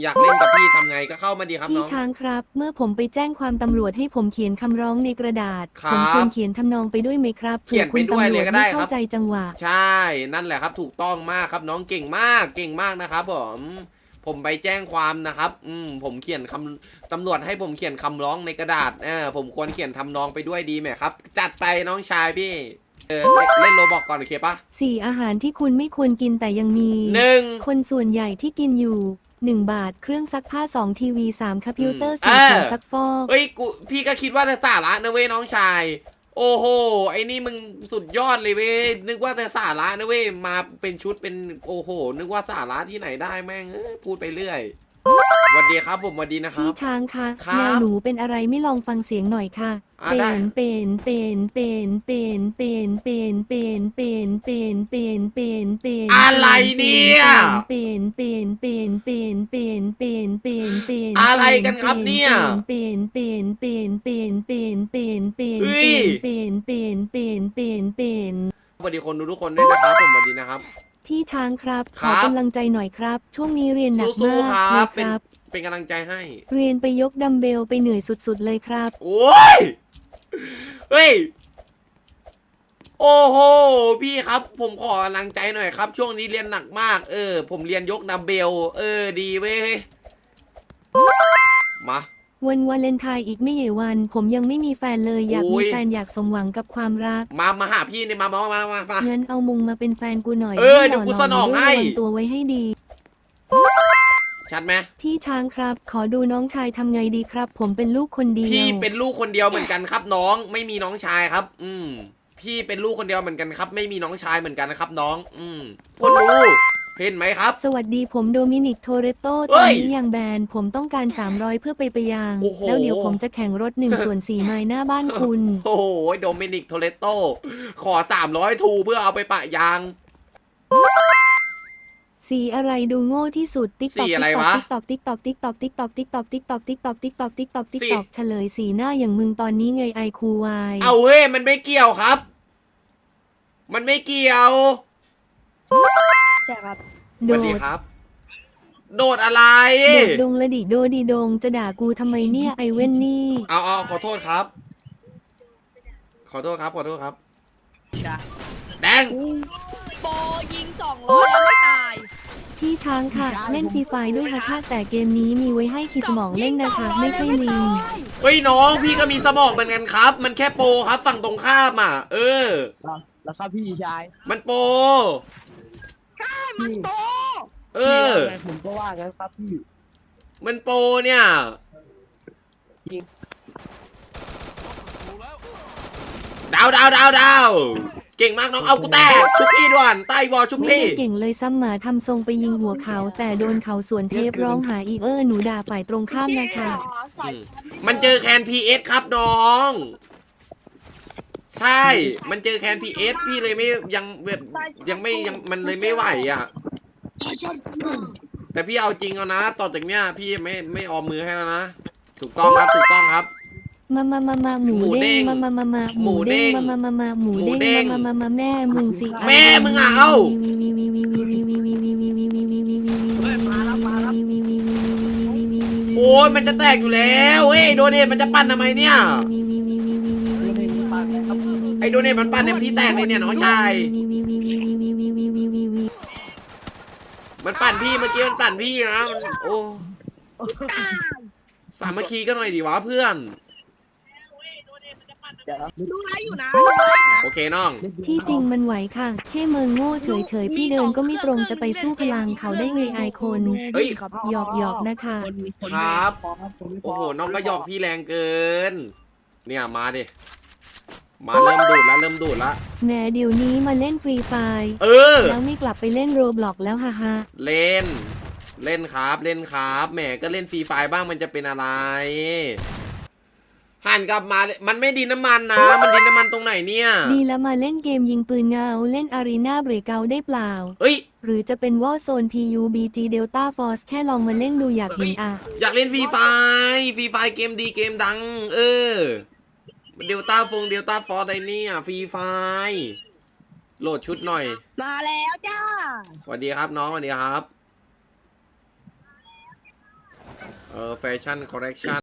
อยากเล่นกับพี่ทำไงก็เข้ามาดีครับน้พี่องช้างครับเมื่อผมไปแจ้งความตำรวจให้ผมเขียนคำร้องในกระดาษครับผมควรเขียนทำนองไปด้วยไหมครับเขียนไปด้วยเลยก็ได้ครับไม่เข้าใจจังหวะใช่นั่นแหละครับถูกต้องมากครับน้องเก่งมากเก่งมากนะครับผมไปแจ้งความนะครับผมเขียนคำตำรวจให้ผมเขียนคำร้องในกระดาษผมควรเขียนทำนองไปด้วยดีไหมครับจัดไปน้องชายพี่เล่นโรบอกก่อนโอเคปะ 4อาหารที่คุณไม่ควรกินแต่ยังมี 1 คนส่วนใหญ่ที่กินอยู่1 บาทเครื่องซักผ้า2ทีวี3คอมพิวเตอร์4ถังซักฟอกเฮ้ยพี่ก็คิดว่าจะสาระนะเว้ยน้องชายโอ้โหไอ้นี่มึงสุดยอดเลยเว้ยนึกว่าจะสาระนะเว้ยมาเป็นชุดเป็นโอ้โหนึกว่าสาระที่ไหนได้แม่งพูดไปเรื่อยสวัสดีครับผมสวัสดีนะครัพี่บช้างคะครับแมวหนูเป็นอะไรไม่ลองฟังเสียงหน่อยค่ะได้อะไรเนี่ยอะไรกันครับเนี่ยสวัสดีคนดูทุกคนด้วยนะครับผมสวัสดีนะครับพี่ช้างครับขครัอบ กำลังใจหน่อยครับ ช่วงนี้เรียนหนักสู้มากๆครับเลยครับเป็นกำลังใจให้เรียนไปยกดัมเบลไปเหนื่อยสุดๆเลยครับโอ้ยเฮ้ยโอ้โหพี่ครับผมขอกำลังใจหน่อยครับ ช่วงนี้เรียนหนักมากผมเรียนยกดัมเบลดีเว้ยมาวันวาเลนไทน์อีกไม่กี่วัน ผมยังไม่มีแฟนเลยอยากโอ้มียแฟนอยากสมหวังกับความรักมาหาพี่เนี่ยมางั้นเอามุงมาเป็นแฟนกูหน่อยเดี๋ยวกูสนองให้ระวังตัวไว้ให้ดีชัดไหมพี่ช้างครับ ขอดูน้องชายทำไงดีครับ ผมเป็นลูกคนเดียวพี่เป็นลูกคนเดียวเหมือนกันครับน้องไม่มีน้องชายครับ พี่เป็นลูกคนเดียวเหมือนกันครับ ไม่มีน้องชายเหมือนกันนะครับน้องคนดูเห็นไหมครับสวัสดีผมโดมินิกโทเรโตเฮ้ตอนยนี้ยังแบนผมต้องการ300เพื่อไปยางโอ้โหแล้วเดี๋ยวผมจะแข่งรถ1/4 ไมล์หน้าบ้านคุณโอ้โหโดมินิกโทเรโตขอ300ทูเพื่อเอาไปปะยางสีอะไรดูโง่ที่สุดติ๊กสีอะไรวะติ๊กตอกติ๊กตอกติ๊กตอกติ๊กตอกติ๊กตอกติ๊กตอกติ๊กตอกติ๊กตอกติ๊กตอกติ๊กตอกเฉลยสีหน้าอย่างมึงตอนนี้ไงไอคูวายเอาเฮ้ยมันไม่เกี่ยวครับ มันไม่เกี่ยวใช่ครับสโดวัสดดีครับ โดดอะไรโดดดงละดิโดดีดงจะด่ากูทำไมเนี่ยไอเว้นนี่เอาขอโทษครับ ขอโทษครับแดงโปยิง200แล้วไม่ตายพี่ช้างค่ะ เล่นฟรีไฟด้วยค่ะแต่เกมนี้มีไว้ให้ขีดสมองเล่นนะคะไม่ใช่ลิงเฮ้ยน้องพี่ก็มีสมองเหมือนกันครับ มันแค่โปรครับฝั่งตรงข้ามแล้วครับพี่ชายมันโปรมันโปผมก็ว่างั้นครับพี่มันโปรเนี่ยดาวเก่งมากน้องเอากูแตกชุบพี่ด่วนใต้วอลชุบไม่พี่ได้เก่งเลยซ้ำหมาทำทรงไปยิงหัวเขา แต่โดนเขาสวนเทปร้องหาอีหนูด่าฝ่ายตรงข้ามนะคะมันเจอแคนพีเอสครับน้อง ใช่ มันเจอแคนพีเอสพี่เลยไม่ยังแบบยังมันเลยไม่ไหวอ่ะ แต่พี่เอาจริงเอานะต่อจากเนี้ยพี่ไม่ออมมือให้แล้วนะถูกต้องครับมาหมูเด้งมาหมูเด้งมาหมูเด้งมาแม่มึงสิแม่มึงอ่ะเอ้าโอ้ยมันจะแตกอยู่แล้วเฮ้ยโดเนทมันจะปั่นทำไมเนี่ยไอโดเนทมันปั่นเนี่ยพี่แตกเลยเนี่ยน้องชายมันปั่นพี่เมื่อกี้มันปั่นพี่นะโอ้สามัคคีกันหน่อยดิวะเพื่อนดูไลฟ์อยู่นะโอเคน้องที่จริงมันไหวค่ะแค่เมิงโง่เฉยพี่เดินก็ไม่ตรงจะไปสู้พลังเขาได้ไงไอคนเฮ้ยหยอกนะคะครับ โอ้โหน้องก็หยอกพี่แรงเกิน เนี่ยมาดิมาเริ่มดูดแล้วแหมเดี๋ยวนี้มาเล่นฟรีไฟแล้วไม่กลับไปเล่นโรบล็อกแล้วฮ่าเล่นครับแหมก็เล่นฟรีไฟบ้างมันจะเป็นอะไรหันกลับมามันไม่ดินน้ำมันนะมันดินน้ำมันตรงไหนเนี่ยดีแล้วมาเล่นเกมยิงปืนเงาเล่นอารีนาเบรกเกาได้เปล่าเอ้ยหรือจะเป็นวอลโซน PUBG Delta Force แค่ลองมาเล่นดูอยากเห็นอ่ะอยากเล่นฟรีไฟเกมดีเกมดังเดลต้าฟอร์ไดเนี่ยฟรีไฟโหลดชุดหน่อยมาแล้วจ้าสวัสดีครับน้องสวัสดีครับแฟชั่นคอลเลคชัน